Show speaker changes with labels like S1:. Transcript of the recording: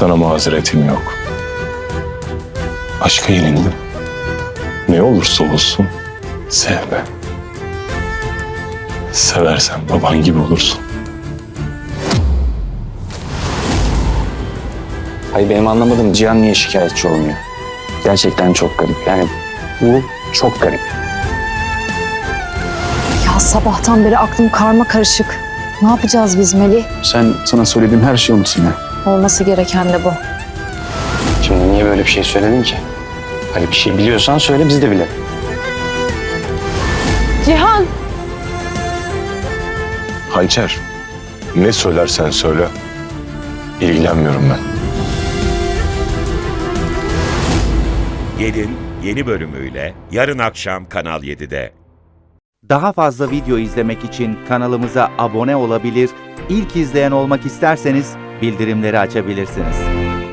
S1: Sana mazeretim yok. Aşka yenildim. Ne olursa olsun sevme. Seversen baban gibi olursun.
S2: Hayır, benim anlamadığım Cihan niye şikayetçi olmuyor? Gerçekten çok garip. Yani bu çok garip.
S3: Ya sabahtan beri aklım karma karışık. Ne yapacağız biz Melih?
S2: Sana söylediğim her şeyi unutsun ya.
S3: Olması gereken de bu.
S2: Şimdi niye böyle bir şey söyledin ki? Hani bir şey biliyorsan söyle, biz de bilelim.
S3: Cihan!
S1: Hançer, ne söylersen söyle. İlgilenmiyorum ben.
S4: Gelin yeni bölümüyle yarın akşam Kanal 7'de.
S5: Daha fazla video izlemek için kanalımıza abone olabilir, ilk izleyen olmak isterseniz bildirimleri açabilirsiniz.